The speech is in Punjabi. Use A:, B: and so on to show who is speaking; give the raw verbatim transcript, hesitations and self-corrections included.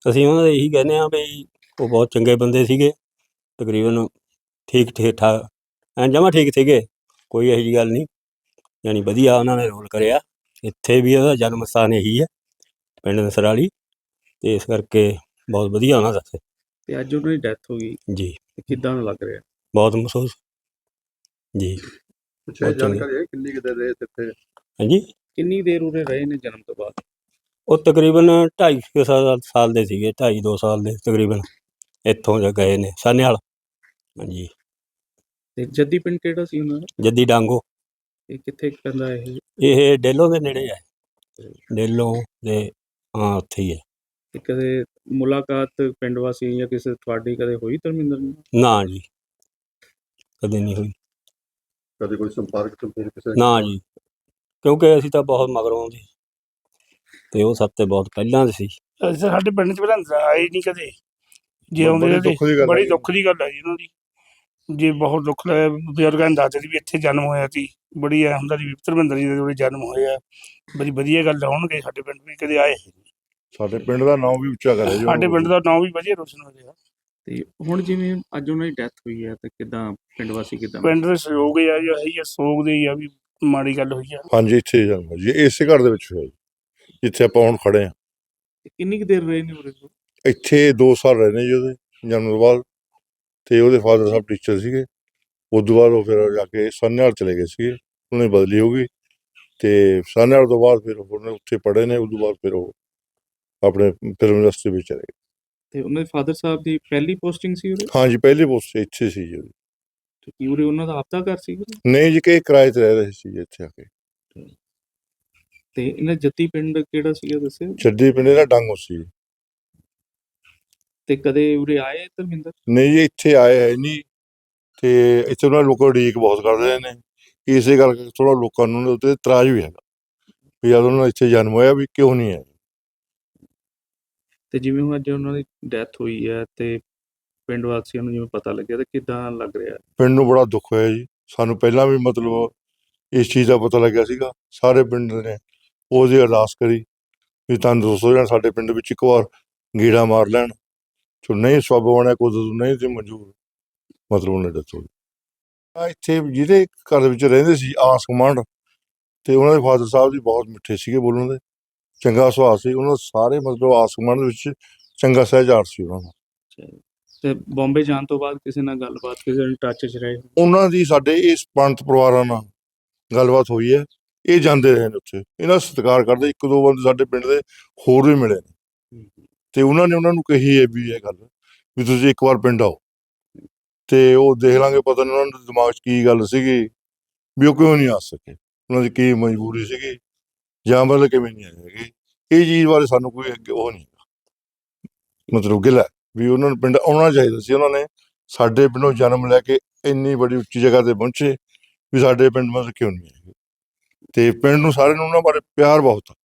A: ਅਸੀਂ ਉਹਨਾਂ ਦੇ ਇਹੀ ਕਹਿੰਦੇ ਹਾਂ ਵੀ ਉਹ ਬਹੁਤ ਚੰਗੇ ਬੰਦੇ ਸੀਗੇ, ਤਕਰੀਬਨ ਠੀਕ ਠੀਕ ਠਾਕ ਐਂ ਜਮਾਂ ਠੀਕ ਸੀਗੇ, ਕੋਈ ਇਹੋ ਜਿਹੀ ਗੱਲ ਨਹੀਂ। ਯਾਨੀ ਵਧੀਆ ਉਹਨਾਂ ਨੇ ਰੋਲ ਕਰਿਆ। ਇੱਥੇ ਵੀ ਉਹਦਾ ਜਨਮ ਸਥਾਨ ਇਹੀ ਹੈ, ਪਿੰਡ ਨਸਰਾਲੀ, ਅਤੇ ਇਸ ਕਰਕੇ ਬਹੁਤ ਵਧੀਆ ਉਹਨਾਂ ਦਾ।
B: ਅਤੇ ਅੱਜ ਉਹਨਾਂ ਦੀ ਡੈਥ ਹੋ ਗਈ
A: ਜੀ,
B: ਕਿੱਦਾਂ ਦਾ ਲੱਗ ਰਿਹਾ?
A: ਬਹੁਤ ਮਹਿਸੂਸ ਜੀ।
C: ਅੱਛਾ, ਜਾਣਕਾਰੀ ਹੈ ਕਿੰਨੀ ਕੁ ਦੇਰ ਰਹੇ ਇੱਥੇ?
A: ਹਾਂਜੀ,
B: ਕਿੰਨੀ ਦੇਰ ਉਰੇ ਰਹੇ ਨੇ ਜਨਮ ਤੋਂ ਬਾਅਦ?
A: ਉਹ ਤਕਰੀਬਨ ਢਾਈ ਕੁ ਸਾਲ ਸਾਲ ਦੇ ਸੀਗੇ, ਢਾਈ ਦੋ ਸਾਲ ਦੇ ਤਕਰੀਬਨ ਇੱਥੋਂ ਜਾ ਗਏ ਨੇ ਸਾਨੇਵਾਲ। ਹਾਂਜੀ।
B: ਅਤੇ ਜੱਦੀ ਪਿੰਡ ਕਿਹੜਾ ਸੀ ਉਹਨਾਂ ਦਾ?
A: ਜੱਦੀ ਡਾਂਗੋ।
B: ਇਹ ਕਿੱਥੇ ਪੈਂਦਾ ਇਹ?
A: ਇਹ ਡੇਲੋਂ ਦੇ ਨੇੜੇ ਹੈ, ਡੇਲੋਂ ਦੇ, ਹਾਂ ਉੱਥੇ ਹੀ ਹੈ।
B: ਅਤੇ ਕਦੇ ਮੁਲਾਕਾਤ ਪਿੰਡ ਵਾਸੀ ਜਾਂ ਕਿਸੇ ਤੁਹਾਡੀ ਕਦੇ ਹੋਈ ਧਰਮਿੰਦਰ ਨਾਲ?
A: ਨਾ ਜੀ, ਕਦੇ ਨਹੀਂ ਹੋਈ।
C: ਕਦੇ ਕੋਈ ਸੰਪਰਕ ਤੋਂ ਫਿਰ ਕਿਸੇ?
A: ਨਾ ਜੀ, ਕਿਉਂਕਿ ਅਸੀਂ ਤਾਂ ਬਹੁਤ ਮਗਰੋਂ ਦੇ, ਅਤੇ ਉਹ ਸਭ ਤੋਂ ਬਹੁਤ ਪਹਿਲਾਂ ਦੇ ਸੀ।
D: ਅਸੀਂ ਤਾਂ ਸਾਡੇ ਪਿੰਡ 'ਚ ਪਹਿਲਾਂ ਆਏ ਨਹੀਂ ਕਦੇ, ਜੇ ਆਉਂਦੇ
C: ਬੜੀ ਦੁੱਖ ਦੀ ਗੱਲ
D: ਬੜੀ
C: ਹੈ।
D: ਦੁੱਖ ਦੀ ਗੱਲ ਹੈ ਜੀ ਉਹਨਾਂ ਦੀ। ਜੇ ਬਹੁਤ ਦੁੱਖ ਲੱਗਿਆ, ਬਜ਼ੁਰਗਾਂ ਨੇ ਦੱਸਦੇ ਸੀ ਵੀ ਇੱਥੇ ਜਨਮ ਹੋਇਆ ਸੀ, ਬੜੀ ਐਂ ਹੁੰਦਾ ਸੀ ਵੀ ਧਰਮਿੰਦਰ ਜੀ ਦੇ ਜਿਹੜੇ ਜਨਮ ਹੋਏ ਆ, ਬੜੀ ਵਧੀਆ ਗੱਲ ਹੋਣਗੇ ਸਾਡੇ ਪਿੰਡ ਵੀ ਕਦੇ ਆਏ।
C: ਸਾਡੇ ਪਿੰਡ ਦਾ ਨਾਮ ਵੀ ਉੱਚਾ ਕਰਿਆ ਜੀ
D: ਸਾਡੇ ਪਿੰਡ ਦਾ ਨਾਂ ਵੀ ਵਧੀਆ ਰੋਸ਼ਨ ਹੋ ਰਿਹਾ।
B: ਅਤੇ ਹੁਣ ਜਿਵੇਂ ਅੱਜ ਉਹਨਾਂ ਦੀ ਡੈਥ ਹੋਈ ਹੈ, ਤਾਂ ਕਿੱਦਾਂ ਪਿੰਡ ਵਾਸੀ ਕਿੱਦਾਂ?
D: ਪਿੰਡ ਦੇ ਸਹਿਯੋਗ ਆ ਜੀ, ਇਹੀ ਆ ਸੋਗ ਦੇ ਹੀ ਆ ਵੀ ਮਾੜੀ ਗੱਲ ਹੋਈ ਆ।
C: ਹਾਂਜੀ, ਇੱਥੇ ਜਨਮ ਜੀ, ਇਸੇ ਘਰ ਦੇ ਵਿੱਚ ਹੋਇਆ ਜੀ, ਜਿੱਥੇ ਆਪਾਂ ਹੁਣ ਖੜੇ ਹਾਂ।
B: ਕਿੰਨੀ ਕੁ ਦੇਰ ਰਹੇ ਨੇ ਉਰੇ?
C: ਇੱਥੇ ਦੋ ਸਾਲ ਰਹੇ ਨੇ ਜੀ ਉਹਦੇ ਜਨਮ ਤੋਂ ਬਾਅਦ, ਅਤੇ ਉਹਦੇ ਫਾਦਰ ਸਾਹਿਬ ਟੀਚਰ ਸੀਗੇ। ਉਸ ਤੋਂ ਬਾਅਦ ਉਹ ਫਿਰ ਜਾ ਕੇ ਸਾਨੇਵਾਲ ਚਲੇ ਗਏ ਸੀਗੇ, ਉਹਨਾਂ ਦੀ ਬਦਲੀ ਹੋ ਗਈ, ਅਤੇ ਸਾਨੇਵਾਲ ਤੋਂ ਬਾਅਦ ਫਿਰ ਉਹਨੇ ਉੱਥੇ ਪੜ੍ਹੇ ਨੇ। ਉਸ ਤੋਂ ਬਾਅਦ ਫਿਰ ਉਹ ਆਪਣੇ ਫਿਲਮ ਇੰਡਸਟਰੀ ਵਿੱਚ ਚਲੇ ਗਏ।
B: ਅਤੇ ਉਹਨਾਂ ਦੇ ਫਾਦਰ ਸਾਹਿਬ ਦੀ ਪਹਿਲੀ ਪੋਸਟਿੰਗ ਸੀ ਉਰੇ?
C: ਹਾਂਜੀ, ਪਹਿਲੀ ਪੋਸਟ ਇੱਥੇ ਸੀ ਜੀ।
B: ਅਤੇ ਕੀ ਉਰੇ ਉਹਨਾਂ ਦਾ ਆਪਦਾ ਘਰ ਸੀ?
C: ਨਹੀਂ ਜੀ, ਕਿ ਕਿਰਾਏ 'ਤੇ ਰਹਿ ਰਹੇ ਸੀ ਇੱਥੇ ਆ ਕੇ।
B: ਅਤੇ ਇਹਨਾਂ ਜੱਦੀ ਪਿੰਡ ਕਿਹੜਾ ਸੀਗਾ ਦੱਸਿਓ?
C: ਜੱਦੀ ਪਿੰਡ ਦਾ ਡਾਂਗੋ ਸੀ।
B: ਅਤੇ ਕਦੇ ਉਰੇ ਆਏ ਧਰਮਿੰਦਰ?
C: ਨਹੀਂ ਜੀ, ਇੱਥੇ ਆਏ ਹੈ ਨਹੀਂ, ਅਤੇ ਇੱਥੇ ਉਹਨਾਂ ਲੋਕਾਂ ਉਡੀਕ ਬਹੁਤ ਕਰਦੇ ਨੇ। ਇਸੇ ਕਰਕੇ ਥੋੜ੍ਹਾ ਲੋਕਾਂ ਨੂੰ ਉਹਦੇ ਉੱਤੇ ਇਤਰਾਜ਼ ਵੀ ਹੈਗਾ ਵੀ ਜਦ ਉਹਨਾਂ ਦਾ ਇੱਥੇ ਜਨਮ ਹੋਇਆ ਵੀ ਕਿਉਂ ਨਹੀਂ ਹੈ।
B: ਅਤੇ ਜਿਵੇਂ ਹੁਣ ਅੱਜ ਉਹਨਾਂ ਦੀ ਡੈਥ ਹੋਈ ਹੈ, ਅਤੇ ਪਿੰਡ ਵਾਸੀਆਂ ਨੂੰ ਜਿਵੇਂ ਪਤਾ ਲੱਗਿਆ, ਤਾਂ ਕਿੱਦਾਂ ਲੱਗ ਰਿਹਾ?
C: ਪਿੰਡ ਨੂੰ ਬੜਾ ਦੁੱਖ ਹੋਇਆ ਜੀ। ਸਾਨੂੰ ਪਹਿਲਾਂ ਵੀ ਮਤਲਬ ਇਸ ਚੀਜ਼ ਦਾ ਪਤਾ ਲੱਗਿਆ ਸੀਗਾ। ਸਾਰੇ ਪਿੰਡ ਨੇ ਉਹਦੀ ਅਰਦਾਸ ਕਰੀ ਵੀ ਤੰਦਰੁਸਤ ਹੋ ਜਾਣ, ਸਾਡੇ ਪਿੰਡ ਵਿੱਚ ਇੱਕ ਵਾਰ ਗੇੜਾ ਮਾਰ ਲੈਣ। ਜੋ ਨਹੀਂ ਸਬੱਬ ਬਣਿਆ, ਕੁਦਰਤ ਨਹੀਂ ਤੇ ਮਨਜ਼ੂਰ, ਮਤਲਬ ਉਹਨੇ ਡੈਥ ਹੋ ਗਈ। ਆ ਇੱਥੇ ਜਿਹਦੇ ਘਰ ਵਿੱਚ ਰਹਿੰਦੇ ਸੀ ਆਸ ਗੁਆਂਢ, ਅਤੇ ਉਹਨਾਂ ਦੇ ਫਾਦਰ ਸਾਹਿਬ ਜੀ ਬਹੁਤ ਮਿੱਠੇ ਸੀਗੇ ਬੋਲਣ ਦੇ, ਚੰਗਾ ਸੁਭਾਅ ਸੀ ਉਹਨਾਂ ਦਾ। ਸਾਰੇ ਮਤਲਬ ਆਸ ਗੁਆਂਢ ਦੇ ਵਿੱਚ ਚੰਗਾ ਸਹਿਜਾਰ ਸੀ ਉਹਨਾਂ ਦਾ।
B: ਅਤੇ ਬੰਬੇ ਜਾਣ ਤੋਂ ਬਾਅਦ ਕਿਸੇ ਨਾਲ ਗੱਲਬਾਤ, ਕਿਸੇ ਨਾਲ ਟੱਚ 'ਚ ਰਹੇ? ਉਹਨਾਂ
C: ਦੀ ਸਾਡੇ ਇਸ ਪੰਥ ਪਰਿਵਾਰਾਂ ਨਾਲ ਗੱਲਬਾਤ ਹੋਈ ਹੈ, ਇਹ ਜਾਂਦੇ ਰਹੇ ਨੇ ਉੱਥੇ, ਇਹਨਾਂ ਦਾ ਸਤਿਕਾਰ ਕਰਦੇ। ਇੱਕ ਦੋ ਬੰਦੇ ਸਾਡੇ ਪਿੰਡ ਦੇ ਹੋਰ ਵੀ ਮਿਲੇ ਨੇ, ਅਤੇ ਉਹਨਾਂ ਨੇ ਉਹਨਾਂ ਨੂੰ ਕਹੀ ਹੈ ਵੀ ਇਹ ਗੱਲ ਵੀ ਤੁਸੀਂ ਇੱਕ ਵਾਰ ਪਿੰਡ ਆਓ, ਅਤੇ ਉਹ ਦੇਖ ਲਾਂਗੇ। ਪਤਾ ਨਹੀਂ ਉਹਨਾਂ ਦੇ ਦਿਮਾਗ 'ਚ ਕੀ ਗੱਲ ਸੀਗੀ ਵੀ ਉਹ ਕਿਉਂ ਨਹੀਂ ਆ ਸਕੇ, ਉਹਨਾਂ ਦੀ ਕੀ ਮਜਬੂਰੀ ਸੀਗੀ, ਜਾਂ ਮਤਲਬ ਕਿਵੇਂ ਨਹੀਂ ਆਏ ਹੈਗੇ। ਇਹ ਚੀਜ਼ ਬਾਰੇ ਸਾਨੂੰ ਕੋਈ ਅੱਗੇ ਉਹ ਨਹੀਂ ਮਤਲਬ ਗਿਲਾ ਵੀ ਉਹਨਾਂ ਨੂੰ ਪਿੰਡ ਆਉਣਾ ਚਾਹੀਦਾ ਸੀ। ਉਹਨਾਂ ਨੇ ਸਾਡੇ ਪਿੰਡੋਂ ਜਨਮ ਲੈ ਕੇ ਇੰਨੀ ਬੜੀ ਉੱਚੀ ਜਗ੍ਹਾ 'ਤੇ ਪਹੁੰਚੇ ਵੀ ਸਾਡੇ ਪਿੰਡ ਮਤਲਬ ਕਿਉਂ ਨਹੀਂ ਆਏ। ਅਤੇ ਪਿੰਡ ਨੂੰ ਸਾਰਿਆਂ ਨੂੰ ਉਹਨਾਂ ਬਾਰੇ ਪਿਆਰ ਬਹੁਤ ਆ।